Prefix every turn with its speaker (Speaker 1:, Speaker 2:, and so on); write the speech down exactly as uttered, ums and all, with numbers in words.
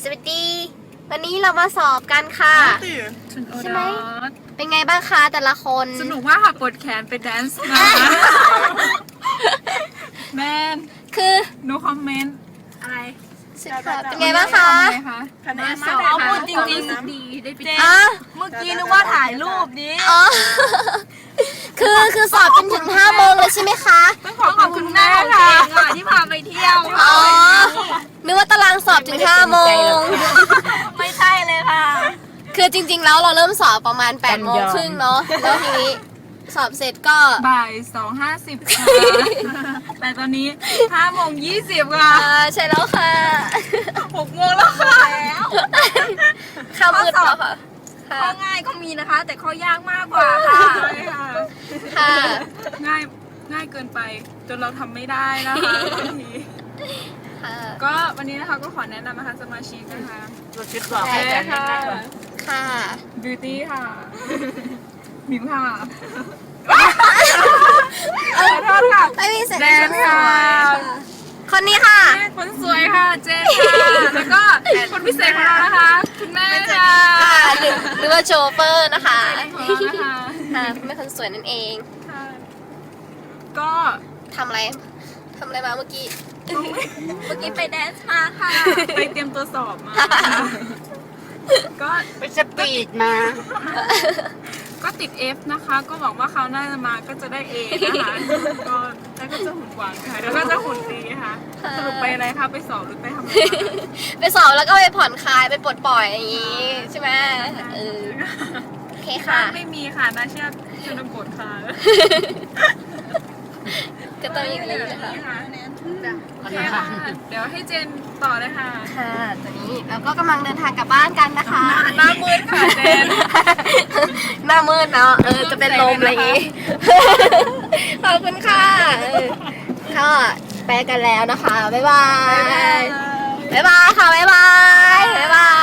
Speaker 1: สวัสดีวันนี้เรามาสอบกันค่ะใช่ไหมเป็นไงบ้างคะแต่ละคน
Speaker 2: สนุกมากค่ะปวดแขนไปแดนซ์มาแมน
Speaker 1: คือ
Speaker 2: no comment อะไร
Speaker 1: เป็นไงบ้างคะ
Speaker 2: คะแนนสอบพูดจริงๆดีได้ไป
Speaker 1: อ่ะ
Speaker 2: เมื่อกี้นึกว่าถ่ายรูปนี้
Speaker 1: อ๋อคือคือสอบจนถึงห้าโมงเลยใช่ไหมคะ
Speaker 2: ต้องขอบคุณแม่ค่ะที่พาไปเที่ยว
Speaker 1: อ๋อนึกว่าตารางสอบถึงห้าโมง
Speaker 2: ไม่ใช่เลยค่ะ
Speaker 1: คือจริงๆแล้วเราเริ่มสอบประมาณแปดโมงครึ่งเนาะแล้วทีนี้สอบเสร็จก็
Speaker 2: บ่ายสองห้าสิบค่ะแต่ตอนนี้ห้าโมงยี่สิบค่ะ
Speaker 1: ใช่แล้วค่ะ
Speaker 2: หกโมงแล้วค่ะแล้ว
Speaker 1: ข้าวมืดแล้วค่ะ
Speaker 2: ข้อง่ายก็มีนะคะแต่ข้อยากมากกว่าค่ะ
Speaker 1: ค่ะ
Speaker 2: ง่ายง่ายเกินไปจนเราทำไม่ได้นะคะบางทีก็วันนี้นะคะก็ขอแนะนำนะคะสมาชิกนะคะ
Speaker 3: เราคิดว่า
Speaker 2: แม่ค่ะ
Speaker 1: ค่ะ
Speaker 2: บิวตี้ค่ะมิมค่ะขอโทษค่ะ
Speaker 1: ไม่มีเสร็จ
Speaker 2: แดนค่ะ
Speaker 1: คนนี้ค่ะ
Speaker 2: คนสวยค่ะเจนค่ะแล้วก็คนพิเศษของเรานะคะคุณแม่ค่ะ
Speaker 1: หรือว่าโชเฟอร์นะคะ
Speaker 2: ค่ะ
Speaker 1: ค่ะคุณแม่คนสวยนั่นเอง
Speaker 2: ก็
Speaker 1: ทำอะไรทำอะไรมาเมื่อกี้
Speaker 2: เมื่อกี้ไปแดนซ์มาค่ะไปเตรียมตัวสอบมาก็
Speaker 3: ไปสปีดมา
Speaker 2: ก็ติด F นะคะก็หวังว่าเขาน่าจะมาก็จะได้ A นะคะก็แล้วก็จะหุ่นหวังค่ะแล้วก็จะหุ่นดีค่ะสรุปไปอะไรคะไปสอบหรือไปทำอะไร
Speaker 1: ไปสอบแล้วก็ไปผ่อนคลายไปปลดปล่อยอย่างนี้ใช่ไหมเออโอเคค่ะ
Speaker 2: ไม่มีค่ะน่าเชื่อชนบทค่ะ
Speaker 1: ก็ต้องอย่างนี้ค่ะ
Speaker 2: โอเคค่ะเดี๋ยวให้เจนต่อเลยค่ะ
Speaker 1: ค่ะตอนนี้เราก็กำลังเดินทางกลับบ้านกันนะคะ
Speaker 2: หน้ามืดค่ะเจน
Speaker 1: หน้ามืดเนาะเออจะเป็นลมอะไรอย่างงี้ขอบคุณค่ะก็ไปกันแล้วนะคะบ๊ายบายบ๊ายบายค่ะบ๊ายบายบ๊ายบาย